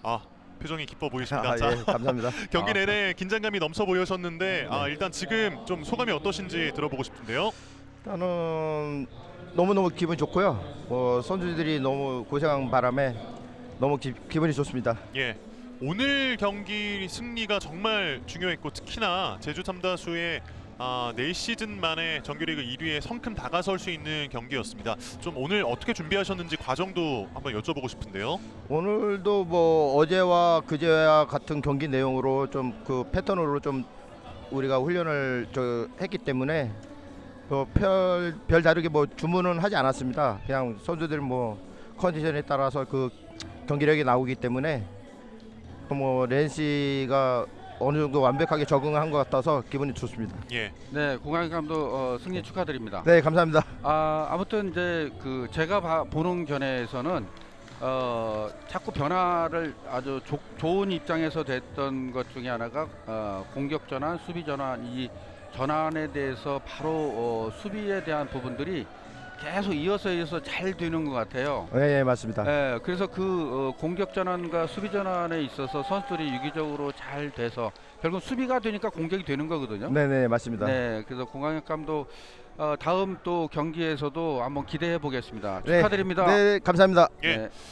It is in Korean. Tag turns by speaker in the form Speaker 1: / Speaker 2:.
Speaker 1: 아, 표정이 기뻐 보이십니다.
Speaker 2: 아,
Speaker 1: 자,
Speaker 2: 예, 감사합니다.
Speaker 1: 경기 내내 긴장감이 넘쳐 보이셨는데
Speaker 2: 네.
Speaker 1: 일단 지금 좀 소감이 어떠신지 들어보고 싶은데요.
Speaker 2: 일단은 너무너무 기분 좋고요. 선수들이 너무 고생한 바람에 너무 기분이 좋습니다.
Speaker 1: 예. 오늘 경기 승리가 정말 중요했고 특히나 제주 탐다수의 4시즌 만에 정규리그 1위에 성큼 다가설 수 있는 경기였습니다. 좀 오늘 어떻게 준비하셨는지 과정도 한번 여쭤보고 싶은데요.
Speaker 2: 오늘도 뭐 어제와 그제와 같은 경기 내용으로 좀 그 패턴으로 좀 우리가 훈련을 했기 때문에 별 다르게 뭐 주문은 하지 않았습니다. 그냥 선수들 뭐 컨디션에 따라서 그 경기력이 나오기 때문에 뭐 렌시가 어느 정도 완벽하게 적응한 것 같아서 기분이 좋습니다.
Speaker 1: 예.
Speaker 3: 네, 공항 감독 승리 축하드립니다.
Speaker 2: 네, 감사합니다.
Speaker 3: 아무튼 이제 그 제가 보는 견해에서는 자꾸 변화를 아주 좋은 입장에서 됐던 것 중에 하나가 공격 전환, 수비 전환, 이 전환에 대해서 바로 수비에 대한 부분들이 계속 이어서 잘 되는 것 같아요.
Speaker 2: 네, 예, 맞습니다.
Speaker 3: 네, 그래서 그 공격 전환과 수비 전환에 있어서 선수들이 유기적으로 잘 돼서 결국 수비가 되니까 공격이 되는 거거든요.
Speaker 2: 네, 네, 맞습니다.
Speaker 3: 네, 그래서 공항혁 감독 다음 또 경기에서도 한번 기대해 보겠습니다.
Speaker 2: 네,
Speaker 3: 축하드립니다.
Speaker 2: 네, 감사합니다.
Speaker 1: 예.
Speaker 3: 네.